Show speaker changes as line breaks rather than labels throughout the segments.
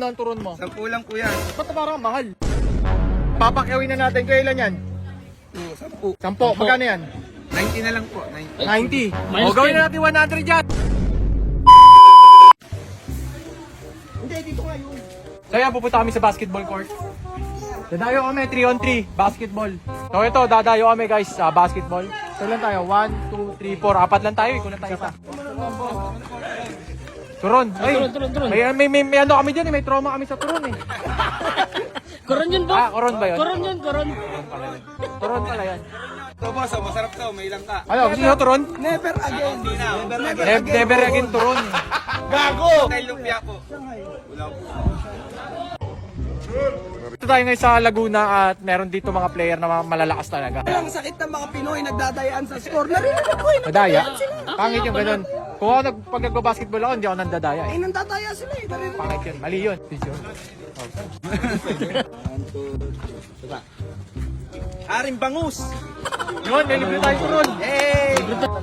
Magkano ang turon mo?
10 lang po yan.
Ba't parang mahal? Papakyawin na natin. Kailan yan?
10.
10. Magkano yan?
90 na lang po.
90.
90.
O gawin na natin 100 dyan.
Hindi, dito nga yun.
So yan, pupunta kami sa basketball court. Dadayo kami, 3-on-3, basketball. So ito, dadayo kami guys sa basketball. So lang tayo, 1, 2, 3, 4, apat lang tayo, ikunan tayo isa. Turon, ay,
Turon.
may ano kami dyan, may trauma kami sa turon eh.
Koron yun ba?
Koron ba yun?
Koron.
Turon pala yan.
Ito boss, masarap to. May ilang ka.
Ano, gusto nyo turon?
Never again.
Never again turon.
Gago! Kay lumpia po. Wala po.
Ito tayo ngayon sa Laguna at meron dito mga player na malalakas talaga.
Ang sakit ng mga Pinoy nagdadayaan sa score. Narinig ko eh.
Nadaya? Pangit yung ganun. Kung ako pag nagbabasketball ako, hindi ako nandadaya eh.
Eh, nandadaya sila eh. Narinig ko.
Pangit yun. Mali yun.
Aring bangus!
Yun, nilibre tayo turon.
Hey!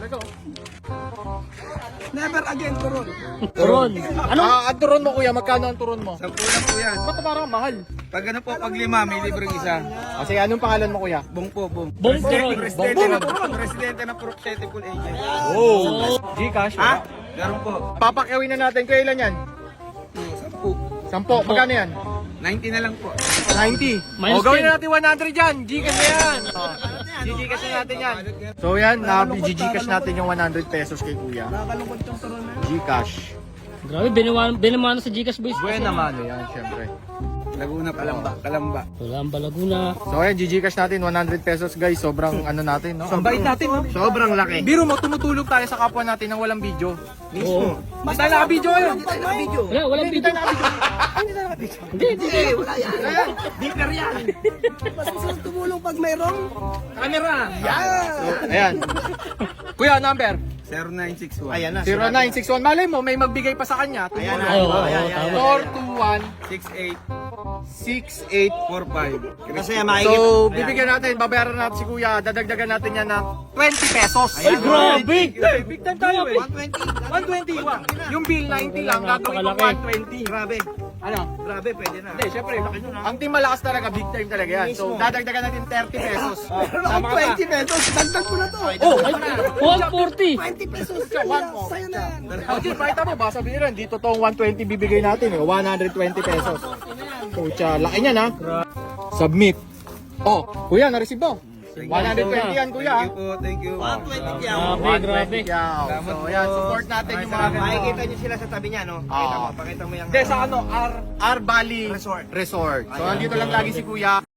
Never again, Turon.
Koron. Ano?
Ang turon mo kuya, magkano ang turon mo?
10 lang po yan.
Ba't parang mahal?
Pag ano po, pag 5, may libreng isa.
Kasi anong pangalan mo kuya?
Bong po, bong.
Bong Koron.
Presidente ng Presidente Pool Agent.
Oh! Gcash,
Ha?
wala.
Meron po.
Papakyawin na natin. Kailan yan?
10.
10. Magkano yan?
90 na lang po.
90.
Minus
O gawin
10.
na natin 100 dyan. Gcash na yan. Gcash na natin yan. So yan, Gcash natin yung 100 pesos kay kuya.
Nakakalungkot yung Turon na yun.
Gcash.
Grabe, binamano sa Gcash boys.
Buwan naman yan, syempre.
Laguna, Kalamba.
Wala ang Balaguna.
So ayan, Gcash natin 100 pesos guys. Sobrang ano natin, no? Ang bait natin, no?
Sobrang laki.
Biro mo, tumutulog tayo sa kapwa natin nang walang video.
Oo.
Mas tayo naka-video ngayon.
Walang video. Hindi.
Wala yan. Deeper yan. Mas gusto tumulong pag mayroong
Camera.
yan.
Ayan. Kuya, number?
0961.
Ayan na.
0961. Malay mo, may magbigay pa sa kanya.
Ayan na.
Oo, tama.
421
6845.
Kasi
So, bibigyan natin, babayaran natin si Kuya, dadagdagan natin yan ng 20 pesos.
Ay, grabe!
Big time tayo eh. 120. Yung bill 90 lang, gagawin ko
Napakalaki.
120. Grabe. Ano?
Grabe, pwede na.
Hindi, syempre, ang team malakas talaga, big time talaga yan. So, dadagdagan natin 30 pesos.
Meron akong 20 pesos. Dagdag ko na to.
Oh,
Ay, 140.
20 pesos. Sa'yo na yan.
O, Jim, pakita mo, baka sabihin rin, dito tong 120 bibigay natin eh, 120 pesos. Pucha, laki niyan ha. Submit. Oh, kuya, na-receive mo. 120 yan, kuya.
Thank you.
120 yan.
Grabe.
Yaw. So, yan, support natin yung mga ganito.
Makikita nyo sila sa tabi niya, no?
Oo.
Pakita mo yung...
Hindi, sa ano, R Valley
Resort.
Resort. So, andito lang lagi si kuya.